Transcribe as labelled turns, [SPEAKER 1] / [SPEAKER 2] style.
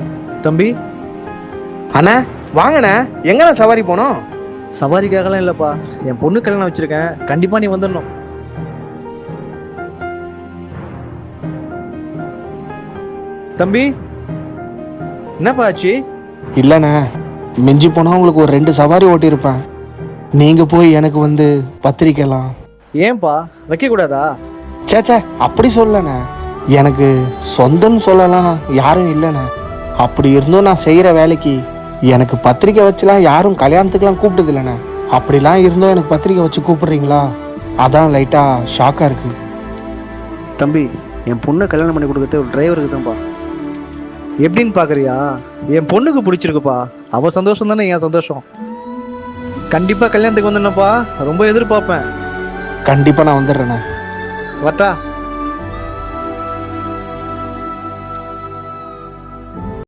[SPEAKER 1] தம்பி,
[SPEAKER 2] அண்ணா வாங்கண்ணே, எங்கண்ணா சவாரி போனோம்?
[SPEAKER 1] சவாரிக்காகலாம் இல்லைப்பா, என் பொண்ணு கல்யாணம் வச்சிருக்கேன், கண்டிப்பா நீ வந்துடணும். தம்பி, என்னப்பா ஆச்சு?
[SPEAKER 2] இல்லைண்ணே, மிஞ்சி போனால் உங்களுக்கு ஒரு 2 சவாரி ஓட்டியிருப்பேன். நீங்கள் போய் எனக்கு வந்து பத்திரிக்கைலாம்.
[SPEAKER 1] ஏன்பா வைக்க கூடாதா?
[SPEAKER 2] சேச்சே, அப்படி சொல்லண்ணே. எனக்கு சொந்தம்னு சொல்லலாம் யாரும் இல்லைண்ணே. அப்படி இருந்தும் நான் செய்கிற வேலைக்கு எனக்கு பத்திரிக்கை வச்சுலாம் யாரும் கல்யாணத்துக்குலாம் கூப்பிட்டது இல்லைண்ணே. அப்படிலாம் இருந்தும் எனக்கு பத்திரிக்கை வச்சு கூப்பிடுறீங்களா? அதான் லைட்டாக ஷாக்காக இருக்குது.
[SPEAKER 1] தம்பி, என் பொண்ணை கல்யாணம் பண்ணி கொடுக்கறது ஒரு டிரைவருக்கு தான்ப்பா. எப்படின்னு பாக்குறியா? என் பொண்ணுக்கு பிடிச்சிருக்குப்பா, அவ சந்தோஷம் தானே என் சந்தோஷம். கண்டிப்பா கல்யாணத்துக்கு வந்துடணும்ப்பா, ரொம்ப எதிர்பார்ப்பேன்.
[SPEAKER 2] கண்டிப்பாக நான் வந்துடுறேண்ணே.
[SPEAKER 1] வட்டா.